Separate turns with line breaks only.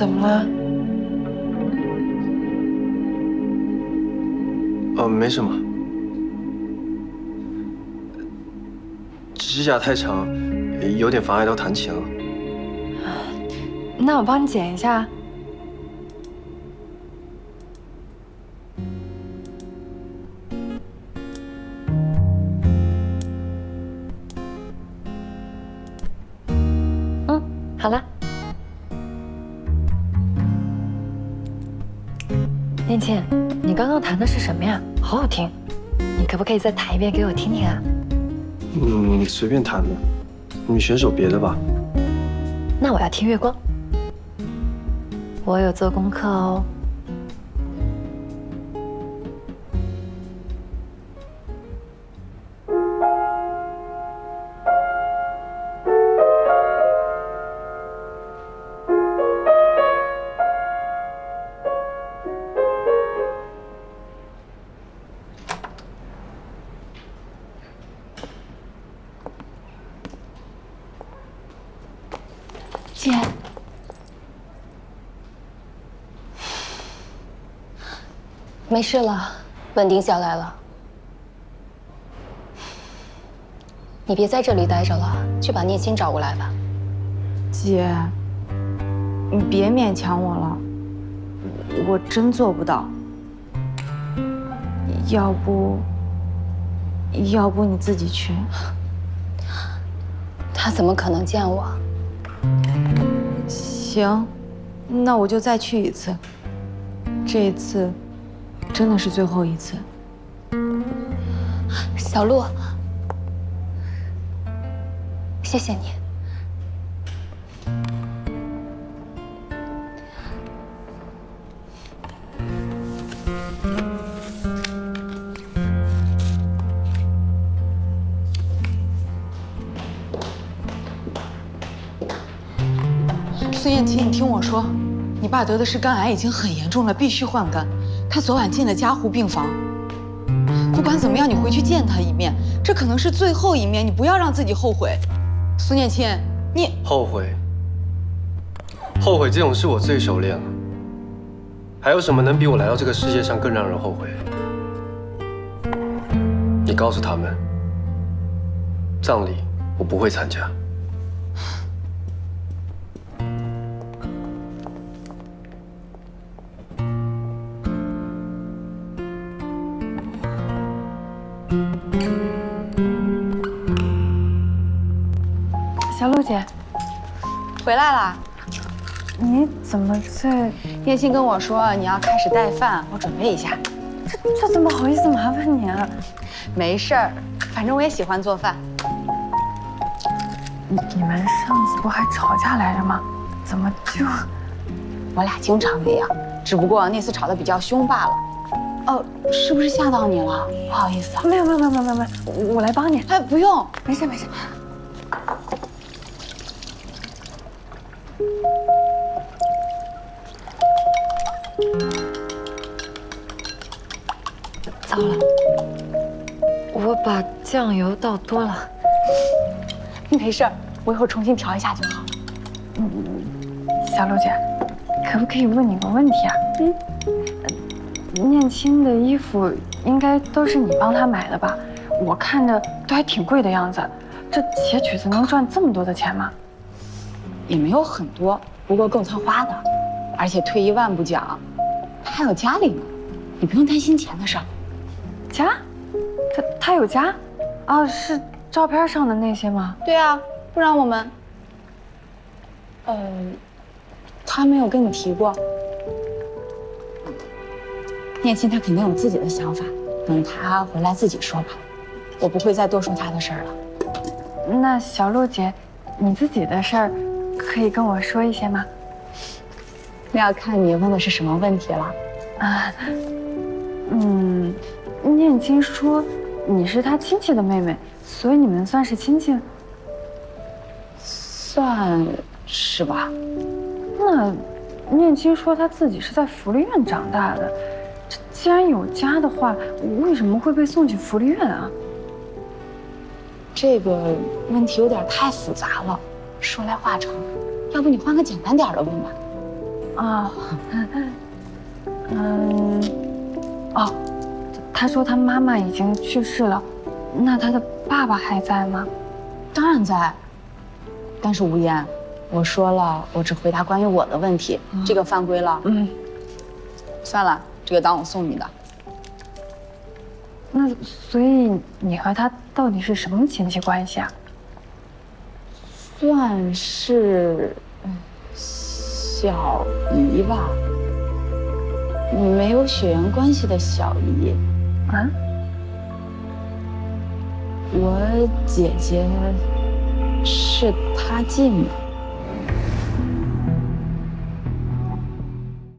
怎么了？
没什么。指甲太长，有点妨碍到弹琴了。
那我帮你剪一下。好了。念倩，你刚刚弹的是什么呀？好好听，你可不可以再弹一遍给我听听啊？
随便弹的，你选首别的吧。
那我要听月光。我有做功课哦。姐，
没事了，稳定下来了。你别在这里待着了，去把聂青找过来吧。
姐，你别勉强我了，我真做不到。要不你自己去？
他怎么可能见我？
行，那我就再去一次。这一次真的是最后一次。
小鹿，谢谢你。
孙燕琪，你听我说，你爸得的是肝癌，已经很严重了，必须换肝。他昨晚进了加护病房。不管怎么样，你回去见他一面，这可能是最后一面，你不要让自己后悔。孙燕青，你
后悔这种事我最熟练了。还有什么能比我来到这个世界上更让人后悔？你告诉他们，葬礼我不会参加。
小鹿姐，
回来啦。
你怎么在？
燕青跟我说你要开始带饭，我准备一下。
这怎么好意思麻烦你啊？
没事儿，反正我也喜欢做饭。
你们上次不还吵架来着吗？怎么就……
我俩经常那样，只不过那次吵得比较凶罢了。哦，是不是吓到你了？不好意思啊。
没有，我来帮你。
哎，不用，
没事。糟了，我把酱油倒多了。
没事儿，我一会儿重新调一下就好。
小鹿姐，可不可以问你个问题啊？念青的衣服应该都是你帮他买的吧？我看着都还挺贵的样子。这写曲子能赚这么多的钱吗？
也没有很多，不过够他花的。而且退一万步讲，他还有家里呢，你不用担心钱的事儿。
家？他有家？啊，是照片上的那些吗？
对啊，不然我们……他没有跟你提过。念青他肯定有自己的想法，等他回来自己说吧，我不会再多说他的事儿了。
那小鹿姐，你自己的事儿可以跟我说一些吗？
那要看你问的是什么问题了。
啊，念青说你是他亲戚的妹妹，所以你们算是亲戚？
算是吧。
那念青说他自己是在福利院长大的，这既然有家的话，为什么会被送去福利院啊？
这个问题有点太复杂了，说来话长，要不你换个简单点的问吧。
啊，哦，他说他妈妈已经去世了，那他的爸爸还在吗？
当然在。但是吴嫣，我说了，我只回答关于我的问题，这个犯规了。算了，这个当我送你的。
那所以你和他到底是什么亲戚关系啊？
算是小姨吧，没有血缘关系的小姨。
啊？
我姐姐是她继母。